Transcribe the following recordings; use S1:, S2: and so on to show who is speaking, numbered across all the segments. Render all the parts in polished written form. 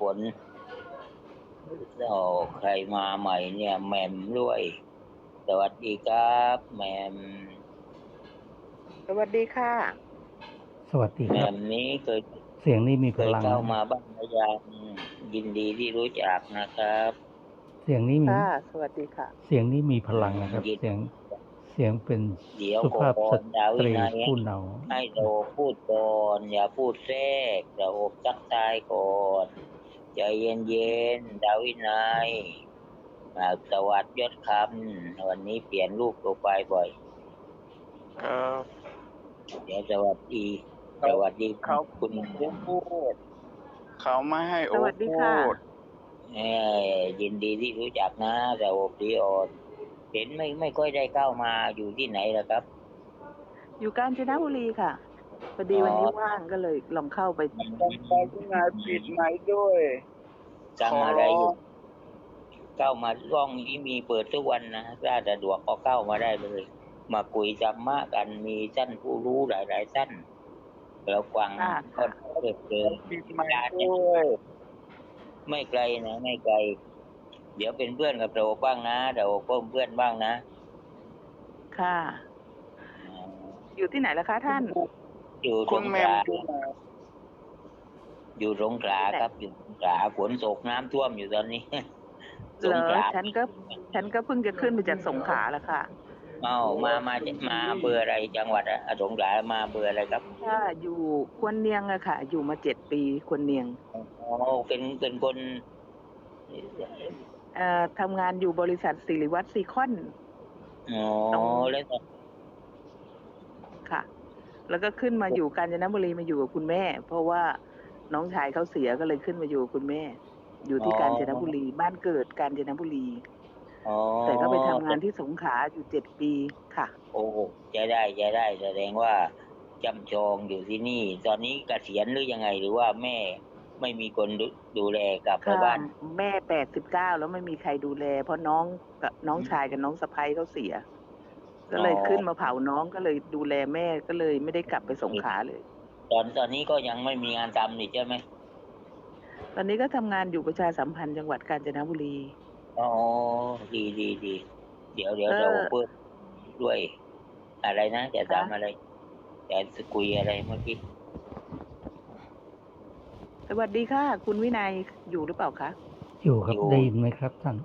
S1: ลใครมาใหม่เนี่ยแหม่มด้วยสวัสดีครับแหม่ม
S2: สวัสดีค่ะ
S3: สวัสดี
S1: แห
S3: ครั
S1: ม่
S3: บ
S1: มนี้เคย
S3: เสียงนี้มีพลัง
S1: เข้า
S3: นะ
S1: มาบ้างหรือยังยินดีที่รู้จักนะครับ
S3: เสียงนี้มี
S2: ค่ะ สวัสดีค่ะ
S3: เสียงนี้มีพลังนะครับ
S1: ยิน
S3: เสียงเป็น
S1: เดี๋ยว
S3: สุภาพ
S1: ก่อ
S3: ส
S1: นดา
S3: ต
S1: วิ
S3: รี
S1: นัย
S3: ผู้เนา
S1: ให้โดพูดก่อนอย่าพูดแทรกเราอบทักทายก่อนใจเย็นๆดาวินัยสวัสดียศคำวันนี้เปลี่ยนรูปโปรไฟล์บ่อย
S4: ครับ
S1: เดี๋ยวสวัสดี
S4: เขา
S1: สวัสดี
S4: เขา
S1: คุณ
S4: พูดเขาไม่ให้
S2: ส
S4: โอ
S2: วัสดี
S4: พู
S2: ค่ะ
S4: ด
S1: ยินดีที่รู้จักนะแต่อบดีออนเห็นไม่ค่อยได้เข้ามาอยู่ที่ไหนล่ะครับ
S2: อยู่กาญจนบุรีค่ะพอดีวันนี้ว่างก็เลยลองเข้าไป
S4: ต้องไปที่ไหนปิดไหมด้วย
S1: จำอะไรอยู่เข้ามาร่องนี้มีเปิดทุกวันนะถ้าสะดวกก็เข้ามาได้เลย มาคุยธรรมะกันมีท่านผู้รู้หลายๆท่านแล้วฟัง
S2: ค่ะ
S1: ก็เกิดเจอ
S4: ปิดไหมด้วย
S1: ไม่ไกลนะไม่ไกล เดี๋ยวเป็นเพื่อนกับเราบ้างนะเดี๋ยวเพิ่มเพื่อนบ้างนะ
S2: ค่ะ อยู่ที่ไหนล่ะคะท่าน
S1: อยู่ส
S4: คุณ
S1: ง
S4: แม
S1: ข
S4: ม
S1: ลา
S4: อยู่ไหน
S1: อยู่สงขลาครับอยู่สงขลาฝนตกน้ำท่วมอยู่ตอนนี้
S2: เหรอฉันก็เพิ่งจะขึ้นมาจากสงขลาแล้วค่ะ
S1: มาเบอร์อะไรจังหวัดสงขลามาเบอร์อะไรครับ
S2: ค่ะอยู่ควนเนียงอะค่ะ อยู่มา7 ปีควนเนียง
S1: อ๋อเป็นคน
S2: ทำงานอยู่บริษัทสิริวัฒน์ซีคอน
S1: อ๋อแล้วก็
S2: ค่ะ แล้วก็ขึ้นมาอยู่กาญจนบุรีมาอยู่กับคุณแม่ เพราะว่าน้องชายเขาเสียก็เลยขึ้นมาอยู่กับคุณแม่ อยู่ที่กาญจนบุรีบ้านเกิดกาญจนบุรี
S1: อ๋อ
S2: แต่ก็ไปทำงานที่สงขลาอยู่7 ปีค่ะ
S1: โอ้จะได้แสดงว่าจำจองอยู่ที่นี่ ตอนนี้เกษียณหรือยังไงหรือว่าแม่ไม่มีคนดูแลกลับไป
S2: ค่ะ
S1: บ้าน
S2: แม่89แล้วไม่มีใครดูแล เพราะน้องชายกับน้องสะใภ้เขาเสีย ก็เลยขึ้นมาเผาน้องก็เลยดูแลแม่ก็เลยไม่ได้กลับไปสงขลาเลย
S1: ตอนนี้ก็ยังไม่มีงานทำนี่ใช่ไหม
S2: ตอนนี้ก็ทำงานอยู่ประชาสัมพันธ์จังหวัดกาญจนบุรี
S1: อ๋อดีเดี๋ยว
S2: เออ
S1: เราเปิดด้วยอะไรนะจะ
S2: ค่ะ
S1: ทำอะไรจะคุยอะไรเมื่อกี้
S2: สวัสดีค่ะ คุณวินัยอยู่หรือเปล่าคะ
S3: อยู่ครับ ได้ยินไหมครับท่าน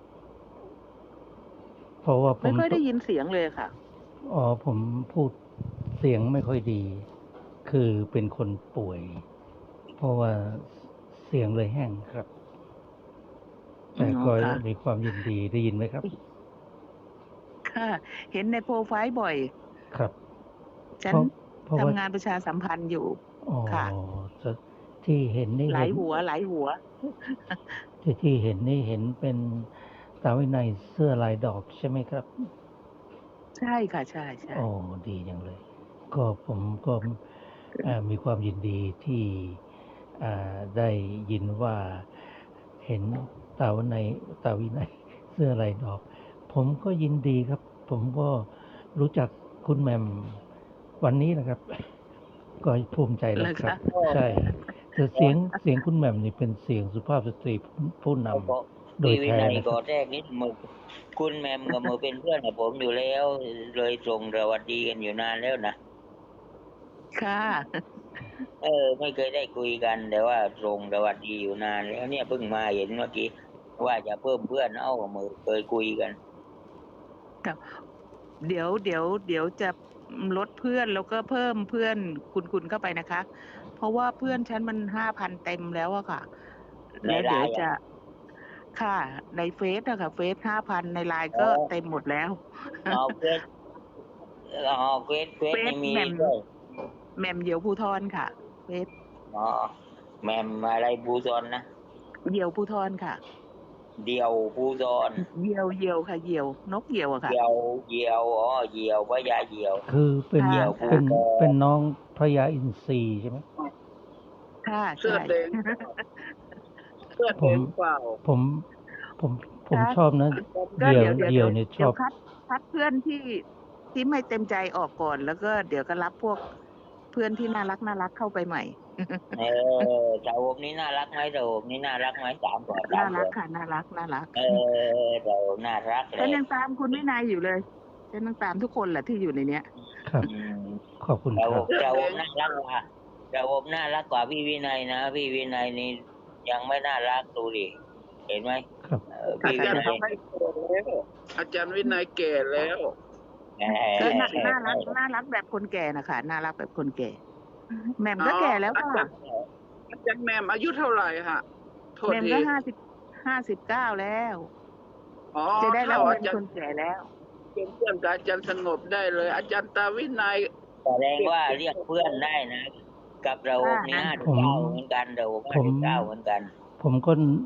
S3: เพราะว่าผ
S2: ไม่
S3: ม
S2: ค่อยได้ยินเสียงเลยค่ะ
S3: ผมพูดเสียงไม่ค่อยดี คือเป็นคนป่วย เพราะว่าเสียงเลยแห้งครับ แต่ก็
S2: ค่ะ
S3: มีความยินดีได้ยินไหมครับ
S2: ค่ะ เห็นในโปรไฟล์บ่อย
S3: ครับ
S2: ฉัน
S3: เพราะ
S2: ทำ
S3: ว่า
S2: งานประชาสัมพันธ์อยู่
S3: อ๋อ
S2: ค่ะ
S3: ที่เห็นนี่
S2: หลายหัว
S3: ที่เห็นนี่เห็นเป็นสาวในเสื้อลายดอกใช่ไหมครับ
S2: ใช่ค่ะ ใช่
S3: โอ้ดีจังเลย ก็ผมก็มีความยินดีที่ได้ยินว่าเห็นสาววินัยเสื้อลายดอก ผมก็ยินดีครับ ผมก็รู้จักคุณแหม่มวันนี้นะครับ ก็ภูมิใจนะครับ ใช่แต่เสียงคุณแหม่มนี่เป็นเสียงสุภาพสตรีผู้นำโดย
S1: พี่วิ
S3: แท้
S1: นัย
S3: นะค
S1: ก็
S3: รับ
S1: แรกนิดมือคุณแมมกับมือเป็นเพื่อนกับผมอยู่แล้ว เลยส่งสวัสดีกันอยู่นานแล้วนะ
S2: ค่ะ
S1: ไม่เคยได้คุยกันแต่ว่าส่งสวัสดีอยู่นานแล้วเนี่ยเพิ่งมาเห็นเมื่อกี้ว่าจะเพิ่มเพื่อนกับมือเคยคุยกัน
S2: เดี๋ยวจะลดเพื่อนแล้วก็เพิ่มเพื่อนคุณเข้าไปนะคะ เพราะว่าเพื่อนฉันมัน5,000 เต็มแล้วอะค่ะ
S1: ใน
S2: แล้วเดี๋ยว
S1: ไลน์อะ
S2: จะค่ะ ในเฟซอะค่ะเฟซ5,000ในไลน์ก็เต็มหมดแล้ว
S1: เฟซไม่มี
S2: แหม่ม
S1: ด้วย
S2: แหม่มเหยี่ยวภูทรค่ะเฟซ
S1: แมมอะไรบูซอนนะ
S2: เหยี่ยวภูทรค่ะ
S1: เดียวบูซอน
S2: เหยี่ยวค่ะเหยี่ยวนกเหยี่ยวอะค่ะ
S1: เหยี่ยวเหยี่ยวพญาเหยี่ยว
S3: คือเป็น
S2: ค่ะ
S1: เดี่ยว
S3: เป็นน้องพระยาอินทรีใช่ไหม
S2: ค่ะ
S4: เสื้อ
S2: ใช่
S4: แดงเสื้อแดงเปล่า
S3: ผมชอบนะ
S2: ก็
S3: เดี่
S2: เดี๋
S3: ย
S2: ยว ว
S3: เนี่ยช
S2: เดี๋ย
S3: อ
S2: ว
S3: บ
S2: คัดเพื่อนที่ไม่เต็มใจออกก่อน แล้วก็เดี๋ยวก็รับพวกเพื่อนที่น่ารักเข้าไปใหม่
S1: ระอบนี่น่ารักไหมระอบนี่น่ารักไหมถามก่อน
S2: น่า
S1: ถาม
S2: รั
S1: ก่
S2: ก
S1: อน
S2: ค่ะน่ารักน่ารัก
S1: ระอบน่ารักเล
S2: ฉัน
S1: ย
S2: ยังตามคุณวินัยอยู่เลยฉันยังตามทุกคนแหละที่อยู่ในเนี้ย
S3: ครับ
S1: อืม
S3: ขอบคุณ
S1: ระ
S3: ค
S1: อ
S3: รั
S1: บบ ระอบน่ารักกว่าระอบน่ารักกว่าพี่วินัยนะพี่วินัยนี่ยังไม่น่ารักดูดิเห็นไหม
S3: ครับ
S1: พี่
S4: อา
S1: วิ
S4: จารย์
S1: นัย
S4: วินัยแก่แล้วอาจารย์วินัยแก่แล้ว
S2: ก็น่ารักน่ารักแบบคนแก่นะคะน่ารักแบบคนแก่แหม่มก็แก่แล้วค่ะ
S4: อาจารย์แหม่มอายุเท่าไหร่ฮะโทษ
S2: แหม่ม
S4: ที
S2: ก็59แล้ว
S4: อ๋อ
S2: จะได้รับ
S4: เท่า
S2: เงิ
S4: อาน จาร
S2: ค
S4: ย์
S2: นแก่แล้ว
S4: เป็นเพื่อนกับอาจารย์สงบได้เลย อาจารย์ตาวินัย
S1: แสดงว่าเรียกเพื่อนได้นะ กับระอบนี่
S2: อ่า
S1: 59เหมือนกันระอบ59เหมือนกัน
S3: ผมก็